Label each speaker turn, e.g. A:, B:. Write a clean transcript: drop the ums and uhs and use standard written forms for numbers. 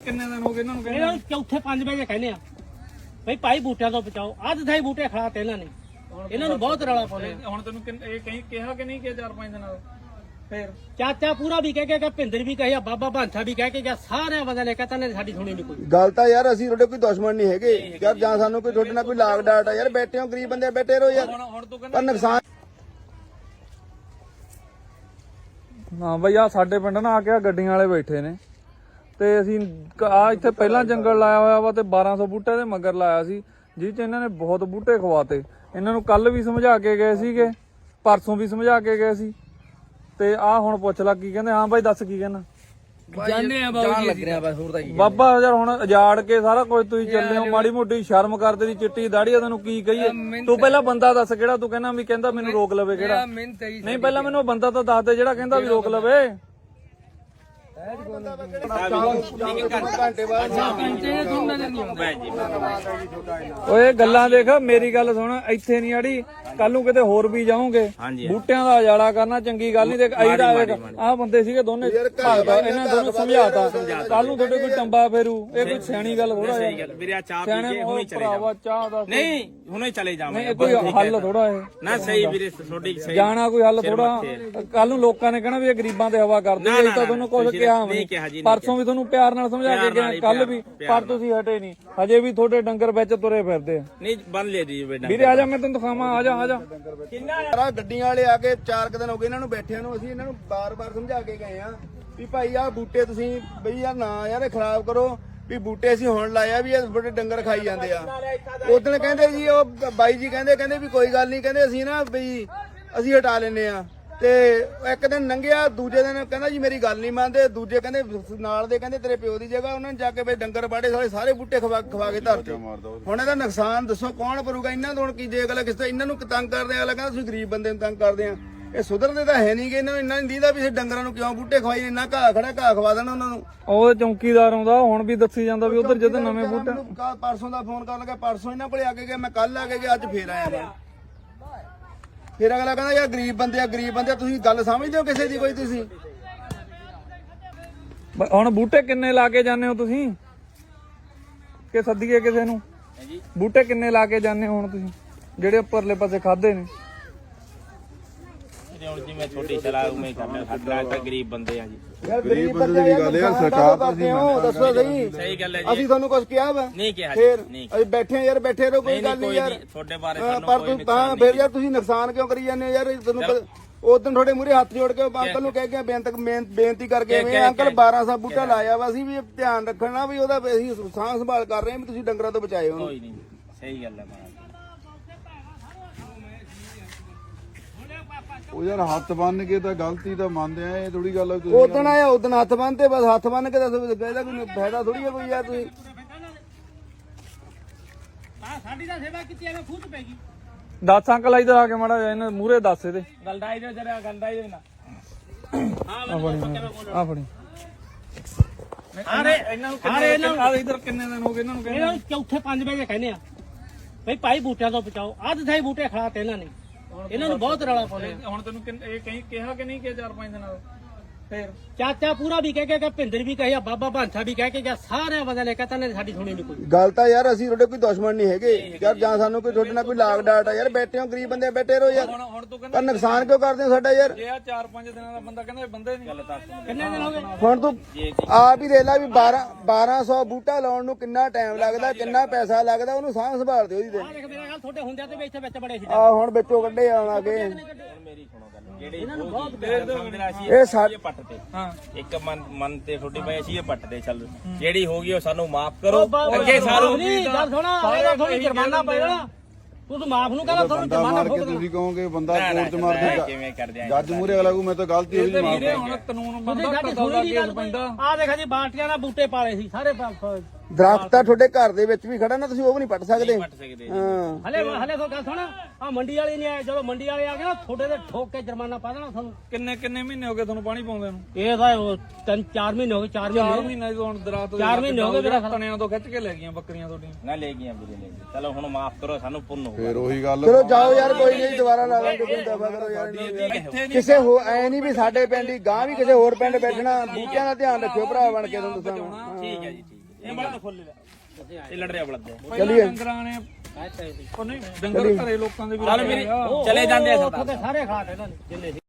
A: ਕਿੰਨੇ ਦਿਨ ਹੋ ਗਏ ਇਹਨਾਂ ਨੂੰ ਕਹਿੰਦੇ?
B: ਇਹਨਾਂ ਨੂੰ ਚੌਥੇ 5 ਵਜੇ ਕਹਿੰਦੇ ਆ ਬਈ ਭਾਈ ਬੂਟਿਆਂ ਤੋਂ ਬਚਾਓ। ਅੱਧ ਥਾਈ ਬੂਟੇ ਖੜਾ ਤੇ ਇਹਨਾਂ ਨੇ, ਇਹਨਾਂ ਨੂੰ ਬਹੁਤ ਰੌਲਾ ਪਾਉਂਦੇ।
A: ਹੁਣ ਤੈਨੂੰ ਇਹ ਕਹੀਂ ਕਿਹਾ ਕਿ ਨਹੀਂ ਕਿ 4-5 ਦਿਨਾਂ ਦਾ ਫੇਰ
B: ਚਾਚਾ ਪੂਰਾ ਵੀ ਕਹਿ ਕੇ ਗਿਆ, ਭਿੰਦਰ ਵੀ ਕਹਿਆ, ਬਾਬਾ ਭਾਂਸਾ ਵੀ ਕਹਿ ਕੇ ਗਿਆ, ਸਾਰਿਆਂ ਬੰਦਿਆਂ ਨੇ ਕਹਤਾ ਨੇ ਸਾਡੀ ਸੁਣੀ ਨਹੀਂ ਕੋਈ
C: ਗੱਲ। ਤਾਂ ਯਾਰ ਅਸੀਂ ਤੁਹਾਡੇ ਕੋਈ ਦੁਸ਼ਮਣ ਨਹੀਂ ਹੈਗੇ ਯਾਰ, ਜਾਂ ਸਾਨੂੰ ਕੋਈ ਤੁਹਾਡੇ ਨਾਲ ਕੋਈ ਲਾਗ ਡਾਟ ਆ ਯਾਰ। ਬੈਠੇ ਹੋ ਗਰੀਬ ਬੰਦੇ, ਬੈਠੇ ਰਹੋ ਯਾਰ।
A: ਹੁਣ ਤੂੰ
C: ਪਰ ਨੁਕਸਾਨ
A: ਹਾਂ ਬਈ ਆ ਸਾਡੇ ਪਿੰਡ ਨਾ ਆ ਕੇ ਗੱਡੀਆਂ ਵਾਲੇ ਬੈਠੇ ਨੇ ਤੇ ਅਸੀਂ ਆ ਇੱਥੇ ਪਹਿਲਾਂ ਜੰਗਲ ਲਾਇਆ ਹੋਇਆ ਵਾ ਤੇ 1200 ਬੂਟੇ ਦੇ ਮਗਰ ਲਾਇਆ ਸੀ, ਜਿਹ ਚ ਇਹਨਾਂ ਨੇ ਬਹੁਤ ਬੂਟੇ ਖਵਾਤੇ। ਇਹਨਾਂ ਨੂੰ ਕੱਲ ਵੀ ਸਮਝਾ ਕੇ ਗਏ ਸੀਗੇ, ਪਰਸੋਂ ਵੀ ਸਮਝਾ ਕੇ ਗਏ ਸੀ ਤੇ ਆ ਹੁਣ ਪੁੱਛ ਲਾ ਕੀ ਕਹਿੰਦੇ। ਹਾਂ ਬਾਈ ਦੱਸ ਕੀ ਕਹਿਣਾ?
B: ਜਾਣੇ ਆ ਬਾਬੂ ਜੀ
A: ਬਾਬਾ ਯਾਰ ਹੁਣ ਉਜਾੜ ਕੇ ਸਾਰਾ ਕੁਝ ਤੁਸੀਂ ਚੱਲੇ ਹੋ, ਮਾੜੀ ਮੋਟੀ ਸ਼ਰਮ ਕਰਦੇ ਦੀ ਚਿੱਟੀ ਦਾੜੀ ਆ, ਤੈਨੂੰ ਕੀ ਕਹੀਏ? ਤੂੰ ਪਹਿਲਾਂ ਬੰਦਾ ਦੱਸ ਕਿਹੜਾ ਤੂੰ ਕਹਿੰਦਾ ਵੀ ਕਹਿੰਦਾ ਮੈਨੂੰ ਰੋਕ ਲਵੇ ਕਿਹੜਾ? ਨਹੀਂ ਪਹਿਲਾਂ ਮੈਨੂੰ ਬੰਦਾ ਤਾਂ ਦੱਸ ਦੇ ਜਿਹੜਾ ਕਹਿੰਦਾ ਵੀ ਰੋਕ ਲਵੇ। ਓਏ ਗੱਲਾਂ ਦੇਖ, ਮੇਰੀ ਗੱਲ ਸੁਣ, ਇੱਥੇ ਨਹੀਂ ਆੜੀ ਕੱਲ ਨੂੰ ਕਿਤੇ ਹੋਰ ਵੀ ਜਾਓਗੇ, ਬੂਟਿਆਂ ਦਾ ਉਜਾੜਾ ਕਰਨਾ ਚੰਗੀ ਗੱਲ ਨਹੀਂ। ਦੇਖ ਆਹ ਬੰਦੇ ਸੀਗੇ ਦੋਨੇ, ਇਹਨਾਂ ਦੋਨੋਂ ਸਮਝਾਤਾ, ਕੱਲ ਨੂੰ ਤੁਹਾਡੇ ਕੋਈ ਟੰਬਾ ਫੇਰੂ, ਇਹ ਕੋਈ ਸਿਆਣੀ ਗੱਲ ਥੋੜਾ ਹੈ। ਸਿਆਣੇ ਭਰਾਵਾ ਚਾਹ ਦਾ
D: ਨਹੀਂ ਹੁਣੇ ਚਲੇ ਜਾਵਾਂਗੇ,
A: ਕੋਈ ਹੱਲ ਥੋੜਾ ਇਹ
D: ਨਾ ਸਹੀ ਵੀਰੇ ਤੁਹਾਡੀ ਸਹੀ
A: ਜਾਣਾ ਕੋਈ ਹੱਲ ਥੋੜਾ। ਕੱਲ ਨੂੰ ਲੋਕਾਂ ਨੇ ਕਹਿਣਾ ਵੀ ਇਹ ਗਰੀਬਾਂ ਤੇ ਹਵਾ ਕਰਦੇ, ਇਹ ਤਾਂ ਤੁਹਾਨੂੰ ਕੁਝ ਕਿਹਾ ਨਹੀਂ। ਪਰਸੋਂ ਵੀ ਤੁਹਾਨੂੰ ਪਿਆਰ ਨਾਲ ਸਮਝਾ ਕੇ ਗਿਆ, ਕੱਲ ਵੀ, ਪਰ ਤੁਸੀਂ ਹਟੇ ਨਹੀਂ। ਹਜੇ ਵੀ ਤੁਹਾਡੇ ਡੰਗਰ ਵਿੱਚ ਤੁਰੇ ਫਿਰਦੇ ਆ।
D: ਨਹੀਂ ਬੰਨ ਲਿਆ ਜੀ
A: ਵੀਰੇ ਆ ਜਾ, ਮੈਂ ਤੈਨੂੰ ਦਿਖਾਵਾਂ, ਆ ਜਾ ਆ ਜਾ।
C: ਯਾਰ ਗੱਡੀਆਂ ਵਾਲੇ ਆ ਕੇ 4 ਦਿਨ ਹੋ ਗਏ ਇਹਨਾਂ ਨੂੰ ਬੈਠਿਆਂ ਨੂੰ। ਅਸੀਂ ਇਹਨਾਂ ਨੂੰ ਬਾਰ-ਬਾਰ ਸਮਝਾ ਕੇ ਗਏ ਆ ਵੀ ਭਾਈ ਆਹ ਬੂਟੇ ਤੁਸੀਂ ਬਈ ਯਾਰ ਨਾ ਯਾਰ ਇਹ ਖਰਾਬ ਕਰੋ, ਵੀ ਬੂਟੇ ਅਸੀਂ ਹੁਣ ਲਾਇਆ ਵੀ ਇਹ ਬੜੇ ਡੰਗਰ ਖਾਈ ਜਾਂਦੇ ਆ। ਉਦੋਂ ਕਹਿੰਦੇ ਜੀ ਉਹ ਬਾਈ ਜੀ ਕਹਿੰਦੇ ਵੀ ਕੋਈ ਗੱਲ ਨਹੀਂ, ਕਹਿੰਦੇ ਅਸੀਂ ਨਾ ਵੀ ਅਸੀਂ ਹਟਾ ਲੈਨੇ ਆ। ਤੇ ਇੱਕ ਦਿਨ ਲੰਘਿਆ, ਦੂਜੇ ਦਿਨ ਕਹਿੰਦਾ ਜੀ ਮੇਰੀ ਗੱਲ ਨਹੀਂ ਮੰਨਦੇ, ਦੂਜੇ ਕਹਿੰਦੇ ਨਾਲ ਦੇ ਕਹਿੰਦੇ ਤੇਰੇ ਪਿਓ ਦੀ ਜਗ੍ਹਾ, ਉਹਨਾਂ ਨੇ ਜਾ ਕੇ ਬਈ ਡੰਗਰ ਬਾੜੇ ਸਾਰੇ ਬੂਟੇ ਖਵਾ ਕੇ ਧਰਤੇ। ਹੁਣ ਇਹਦਾ ਨੁਕਸਾਨ ਦੱਸੋ ਕੌਣ ਭਰੂਗਾ? ਇਹਨਾਂ ਤੋਂ ਹੁਣ ਕੀ ਜੇ ਅਗਲਾ ਕਿਸੇ ਇਹਨਾਂ ਨੂੰ ਤੰਗ ਕਰਦੇ ਆ, ਅਗਲਾ ਕਹਿੰਦਾ ਤੁਸੀਂ ਗਰੀਬ ਬੰਦੇ ਨੂੰ ਤੰਗ ਕਰਦੇ ਆ। ਇਹ ਸੁਧਰਦੇ ਤਾਂ ਹੈ ਨਹੀਂਗੇ, ਇਹਨਾਂ ਨੂੰ ਇੰਨਾ ਨਹੀਂ ਦੀਦਾ ਵੀ ਇਹ ਡੰਗਰਾਂ ਨੂੰ ਕਿਉਂ ਬੂਟੇ ਖਵਾਈ, ਇੰਨਾ ਘਾਹ ਖੜਾ ਘਾਹ ਖਵਾ ਦੇਣਾ ਉਹਨਾਂ ਨੂੰ।
A: ਉਹ ਚੌਂਕੀਦਾਰ ਆਉਂਦਾ ਹੁਣ ਵੀ ਦੱਸੀ ਜਾਂਦਾ ਵੀ ਉਧਰ ਜਦੋਂ ਨਵੇਂ ਬੂਟੇ।
C: ਪਰਸੋਂ ਦਾ ਫੋਨ ਕਰਨ ਲੱਗਾ, ਪਰਸੋਂ ਇਹਨਾਂ ਕੋਲੇ ਆ ਕੇ ਗਿਆ, ਮੈਂ ਕੱਲ ਆ ਕੇ ਗਿਆ, ਅੱਜ ਫੇਰ ਆਇਆ ਮੈਂ। ਫਿਰ ਅਗਲਾ ਕਹਿੰਦਾ ਯਾਰ ਗਰੀਬ ਬੰਦੇ ਆ, ਗਰੀਬ ਬੰਦੇ ਆ। ਤੁਸੀਂ ਗੱਲ ਸਮਝਦੇ ਹੋ ਕਿਸੇ ਦੀ ਕੋਈ? ਤੁਸੀਂ
A: ਹੁਣ ਬੂਟੇ ਕਿੰਨੇ ਲਾ ਕੇ ਜਾਂਦੇ ਹੋ ਤੁਸੀਂ ਕਿ ਸੱਦੀਏ ਕਿਸੇ ਨੂੰ? ਬੂਟੇ ਕਿੰਨੇ ਲਾ ਕੇ ਜਾਂਦੇ ਹੋ ਹੁਣ ਤੁਸੀਂ ਜਿਹੜੇ ਉੱਪਰਲੇ ਪਾਸੇ ਖਾਦੇ ਨੇ?
D: ਹੁਣ ਜਿਵੇਂ ਛੋਟੀ ਚਲਾ ਉਵੇਂ ਕਰਨਾ, ਸਾਡਾ ਤਾਂ ਗਰੀਬ ਬੰਦੇ ਆ ਜੀ।
C: ਯਾਰ ਗਰੀਬ ਬੰਦੇ ਦੀ ਗੱਲ ਹੈ, ਸਰਕਾਰ ਤੁਸੀਂ ਦੱਸੋ ਸਹੀ।
D: ਸਹੀ ਗੱਲ ਹੈ
C: ਅਸੀਂ ਤੁਹਾਨੂੰ ਕੁਝ ਕਿਹਾ ਵਾ?
D: ਨਹੀਂ ਕਿਹਾ
C: ਫਿਰ
D: ਨਹੀਂ।
C: ਅਸੀਂ ਬੈਠੇ ਯਾਰ, ਬੈਠੇ ਰਹੋ, ਕੋਈ ਗੱਲ ਨਹੀਂ ਯਾਰ।
D: ਤੁਹਾਡੇ ਬਾਰੇ
C: ਪਰ ਤੂੰ ਤਾਂ ਫਿਰ ਯਾਰ ਤੁਸੀਂ ਨੁਕਸਾਨ ਕਿਉਂ ਕਰੀ ਜਾਂਦੇ ਹੋ ਯਾਰ? ਤੁਹਾਨੂੰ ਉਦੋਂ ਤੁਹਾਡੇ ਮੂਹਰੇ ਹੱਥ ਜੋੜ ਕੇ ਅੰਕਲ ਨੂੰ ਕਹਿ ਕੇ ਬੇਨਤੀ ਕਰਕੇ ਅੰਕਲ 1200 ਬੂਟਾ ਲਾਇਆ ਵਾ, ਅਸੀਂ ਵੀ ਧਿਆਨ ਰੱਖਣਾ ਵੀ ਉਹਦਾ ਅਸੀਂ ਸਾਂਭ ਸੰਭਾਲ ਕਰ ਰਹੇ ਹਾਂ ਵੀ ਤੁਸੀਂ ਡੰਗਰਾਂ ਤੋਂ ਬਚਾਏ ਉਹਨੂੰ।
D: ਕੋਈ ਨਹੀਂ, ਸਹੀ ਗੱਲ ਹੈ।
E: ਉਹ ਯਾਰ ਹੱਥ ਬੰਨ ਕੇ ਤਾਂ ਗਲਤੀ ਤਾਂ ਮੰਨਦੇ ਆ, ਇਹ ਥੋੜੀ ਗੱਲ।
C: ਉਦੋਂ ਆਇਆ ਉਦੋਂ ਹੱਥ ਬੰਨਤੇ, ਬਸ ਹੱਥ ਬੰਨ ਕੇ ਤਾਂ ਇਹਦਾ ਕੋਈ ਫਾਇਦਾ ਥੋੜੀ ਹੈ ਕੋਈ ਯਾਰ। ਤੁਸੀਂ
B: ਸਾਡੀ ਤਾਂ ਸੇਵਾ ਕੀਤੀ ਐਵੇਂ ਖੁਦ ਪੈ ਗਈ।
A: ਦੱਸ ਅੰਕਲ ਇਧਰ ਆ ਕੇ ਮਾੜਾ ਜਿਹਾ ਇਹਨਾਂ ਮੂਹਰੇ ਦੱਸ ਇਹਦੇ।
B: ਗਲਦਾ ਇਹਦੇ ਜਰਾ ਗਲਦਾ ਇਹਦੇ ਨਾ।
A: ਆ ਫੜੀ
B: ਇਹਨਾਂ ਨੂੰ
A: ਆ ਇਧਰ ਕਿੰਨੇ ਦਿਨ ਹੋ ਗਏ ਇਹਨਾਂ ਨੂੰ ਕਹਿੰਦੇ?
B: ਇਹਨਾਂ ਨੂੰ ਚੌਥੇ 5 ਵਜੇ ਕਹਿੰਦੇ ਆ ਬਈ ਭਾਈ ਬੂਟਿਆਂ ਤੋਂ ਬਚਾਓ। ਅੱਧ ਥਾਈ ਬੂਟੇ ਖੜਾ ਤੇ ਇਹਨਾਂ ਨੇ, ਇਹਨਾਂ ਨੂੰ ਬਹੁਤ ਰੌਲਾ ਪਾਉਂਦੇ।
A: ਹੁਣ ਤੈਨੂੰ ਇਹ ਕਹੀਂ ਕਿਹਾ ਕਿ ਨਹੀਂ ਕਿ 4-5 ਦਿਨਾਂ ਦਾ ਫੇਰ?
B: ਚਾਚਾ ਪੂਰਾ ਵੀ ਕਹਿ ਕੇ ਗਿਆ, ਭਿੰਦਰ ਵੀ ਕਹਿਆ, ਬਾਬਾ ਭਾਂਸਾ ਵੀ ਕਹਿ ਕੇ ਗਿਆ, ਸਾਰਿਆਂ ਬੰਦਿਆਂ ਨੇ ਕਹਤਾ ਨੇ ਸਾਡੀ ਸੁਣੀ ਨਹੀਂ ਕੋਈ
C: ਗੱਲ। ਤਾਂ ਯਾਰ ਅਸੀਂ ਤੁਹਾਡੇ ਕੋਈ ਦੁਸ਼ਮਣ ਨਹੀਂ ਹੈਗੇ ਯਾਰ, ਜਾਂ ਸਾਨੂੰ ਕੋਈ ਤੁਹਾਡੇ ਨਾਲ ਕੋਈ ਲਾਗ ਡਾਟ ਆ ਯਾਰ। ਬੈਠੇ ਹੋ ਗਰੀਬ ਬੰਦੇ, ਬੈਠੇ ਰਹੋ ਯਾਰ।
A: ਹੁਣ ਤੂੰ
C: ਪਰ ਨੁਕਸਾਨ ਕਿਉਂ ਕਰਦੇ ਹੋ ਸਾਡਾ ਯਾਰ?
A: ਜੇ ਆ 4-5 ਦਿਨਾਂ ਦਾ ਬੰਦਾ ਕਹਿੰਦਾ ਬੰਦੇ ਨਹੀਂ ਗੱਲ ਦੱਸ
B: ਕਿੰਨੇ ਦਿਨ ਹੋ ਗਏ?
C: ਹੁਣ ਤੂੰ ਆਪ ਹੀ ਦੇਖ ਲੈ ਵੀ 1200 ਬੂਟਾ ਲਾਉਣ ਨੂੰ ਕਿੰਨਾ ਟਾਈਮ ਲੱਗਦਾ, ਕਿੰਨਾ ਪੈਸਾ ਲੱਗਦਾ, ਉਹਨੂੰ ਸਾਂਭ ਸੰਭਾਲ ਦਿਓ ਉਹਦੀ।
B: ਆ ਦੇਖ ਮੇਰਾ ਗੱਲ, ਤੁਹਾਡੇ ਹੁੰਦਿਆਂ ਤੇ ਵੀ ਇੱਥੇ ਵਿੱਚ ਬੜੇ ਸੀ।
C: ਆ ਹੁਣ ਵਿੱਚੋਂ ਕੱਢੇ ਆਉਣਾ ਕੇ
D: ਮੇਰੀ ਸੁਣੋ ਗੱਲ, ਜਿਹੜੇ
C: ਇਹ ਸਾਡੇ
D: ਪੱਟ ਤੇ
A: ਹਾਂ
D: ਇੱਕ ਮਨ ਤੇ ਤੁਹਾਡੀ ਪਈ ਅਸੀਂ ਇਹ ਪੱਟ ਤੇ ਚੱਲ, ਜਿਹੜੀ ਹੋ ਗਈ ਉਹ ਸਾਨੂੰ ਮਾਫ ਕਰੋ। ਅੱਗੇ ਸਾਰੂ
B: ਨਹੀਂ ਗੱਲ ਸੁਣਾ, ਇਹਦਾ ਤੁਹਾਨੂੰ ਜੁਰਮਾਨਾ ਪਏਗਾ। ਤੂੰ ਮਾਫ ਨੂੰ ਕਹਿੰਦਾ ਤੁਹਾਨੂੰ ਜੁਰਮਾਨਾ
E: ਮਾਰ ਕੇ
B: ਫੋਕ
E: ਤੁਸੀਂ ਕਹੋਗੇ ਬੰਦਾ ਕੋਰਟ ਚ ਮਾਰ ਦੇ
D: ਕਿਵੇਂ ਕਰਦੇ ਆ
E: ਜੱਜ ਮੂਹਰੇ ਅਗਲਾ ਕੋ ਮੈਂ ਤਾਂ ਗਲਤੀ ਹੋਈ ਨਹੀਂ ਮਾਰ
A: ਹੁਣ ਕਾਨੂੰਨ ਬੰਦਾ ਕਤਲ ਦਾ ਕੇਸ ਪੈਂਦਾ।
B: ਆ ਦੇਖਾ ਜੀ ਬਾਲਟੀਆਂ ਨਾਲ ਬੂਟੇ ਪਾਲੇ ਸੀ ਸਾਰੇ
C: ਦਰਖਤ ਤਾਂ ਤੁਹਾਡੇ ਘਰ ਦੇ ਵਿੱਚ ਵੀ ਖੜਾ ਨਾ, ਤੁਸੀਂ ਉਹ ਵੀ ਨਹੀਂ ਪੱਟ ਸਕਦੇ।
D: ਪੱਟ ਸਕਦੇ
C: ਹਾਂ
B: ਹਲੇ ਤੋਂ ਗੱਲ ਸੁਣ, ਆ ਮੰਡੀ ਵਾਲੇ ਨਹੀਂ ਆਏ, ਜਦੋਂ ਮੰਡੀ ਵਾਲੇ ਆ ਗਏ ਨਾ ਤੁਹਾਡੇ ਤੇ ਠੋਕ ਕੇ ਜੁਰਮਾਨਾ ਪਾ ਦੇਣਾ ਤੁਹਾਨੂੰ।
A: ਕਿੰਨੇ ਮਹੀਨੇ ਹੋ ਗਏ ਤੁਹਾਨੂੰ ਪਾਣੀ ਪਾਉਂਦੇ ਨੂੰ?
B: ਇਹ ਤਾਂ 3-4 ਮਹੀਨੇ ਹੋ ਗਏ। 4
A: ਮਹੀਨੇ ਤੋਂ ਹੁਣ ਦਰਾਤ
B: 4 ਮਹੀਨੇ ਹੋ ਗਏ ਮੇਰਾ
A: ਤਣਿਆਂ ਤੋਂ ਖਿੱਚ ਕੇ ਲੈ ਗਈਆਂ ਬੱਕਰੀਆਂ ਤੁਹਾਡੀਆਂ।
D: ਨਾ ਲੈ ਗਈਆਂ ਵੀਰੇ, ਲੈ ਗਏ। ਚਲੋ ਹੁਣ ਮਾਫ ਕਰੋ, ਸਾਨੂੰ ਪੁੰਨ ਹੋ
E: ਫੇਰ ਉਹੀ ਗੱਲ।
C: ਚਲੋ ਜਾਓ ਯਾਰ, ਕੋਈ ਨਹੀਂ ਦੁਬਾਰਾ ਲਾ ਲਾਂਗੇ, ਕੋਈ ਦਫਾ ਕਰੋ ਯਾਰ। ਕਿਸੇ ਹੋ ਐ ਨਹੀਂ ਵੀ ਸਾਡੇ ਪਿੰਡ ਹੀ ਗਾਂ ਵੀ ਕਿਸੇ ਹੋਰ ਪਿੰਡ ਬੈਠਣਾ। ਬੂਟਿਆਂ ਦਾ ਧਿਆਨ ਰੱਖਿਓ ਭਰਾ ਬਣ ਕੇ, ਤੁਹਾਨੂੰ ਦੱਸਾਂ।
D: ਠੀਕ ਹੈ ਜੀ, ਠੀਕ। ਇਹ ਬਲਦ ਖੋਲ ਲੈ ਇਹ ਲੜ ਰਿਹਾ ਬਲਦ
A: ਪਹਿਲਾਂ ਡੰਗਰਾਂ ਨੇ ਉਹ ਨਹੀਂ ਡੰਗਰ ਘਰੇ ਲੋਕਾਂ ਦੇ ਵੀ
D: ਚੱਲ ਮੇਰੀ ਚਲੇ ਜਾਂਦੇ ਆ
B: ਉੱਥੋਂ ਤੇ ਸਾਰੇ ਖਾ ਤੇ ਇਹਨਾਂ ਨੇ ਜਿੰਨੇ ਸੀ